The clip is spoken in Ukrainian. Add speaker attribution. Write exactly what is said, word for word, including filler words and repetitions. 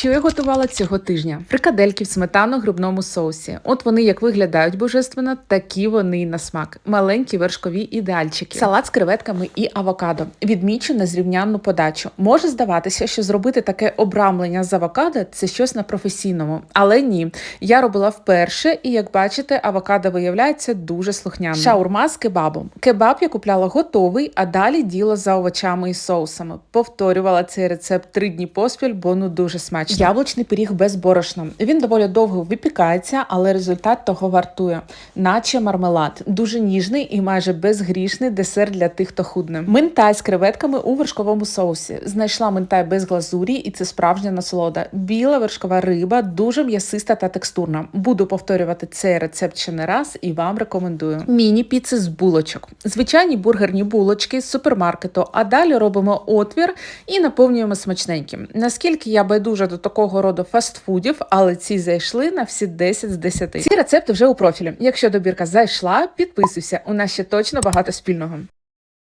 Speaker 1: Що я готувала цього тижня? Фрикадельки в сметано-грибному соусі. От вони як виглядають божественно, такі вони і на смак. Маленькі вершкові ідеальчики. Салат з креветками і авокадо. Відмічу незрівнянну подачу. Може здаватися, що зробити таке обрамлення з авокадо – це щось на професійному. Але ні. Я робила вперше і, як бачите, авокадо виявляється дуже слухняним. Шаурма з кебабом. Кебаб я купляла готовий, а далі діло за овочами і соусами. Повторювала цей рецепт три дні поспіль, бо ну дуже смачно. Яблучний пиріг без борошна. Він доволі довго випікається, але результат того вартує. Наче мармелад. Дуже ніжний і майже безгрішний десерт для тих, хто худне. Минтай з креветками у вершковому соусі. Знайшла минтай без глазурі, і це справжня насолода. Біла вершкова риба, дуже м'ясиста та текстурна. Буду повторювати цей рецепт ще не раз і вам рекомендую. Міні-піци з булочок. Звичайні бургерні булочки з супермаркету, а далі робимо отвір і наповнюємо смачненьким. Наскільки я байдужа до такого роду фастфудів, але ці зайшли на всі десять з десяти. Ці рецепти вже у профілі. Якщо добірка зайшла, підписуйся, у нас ще точно багато спільного.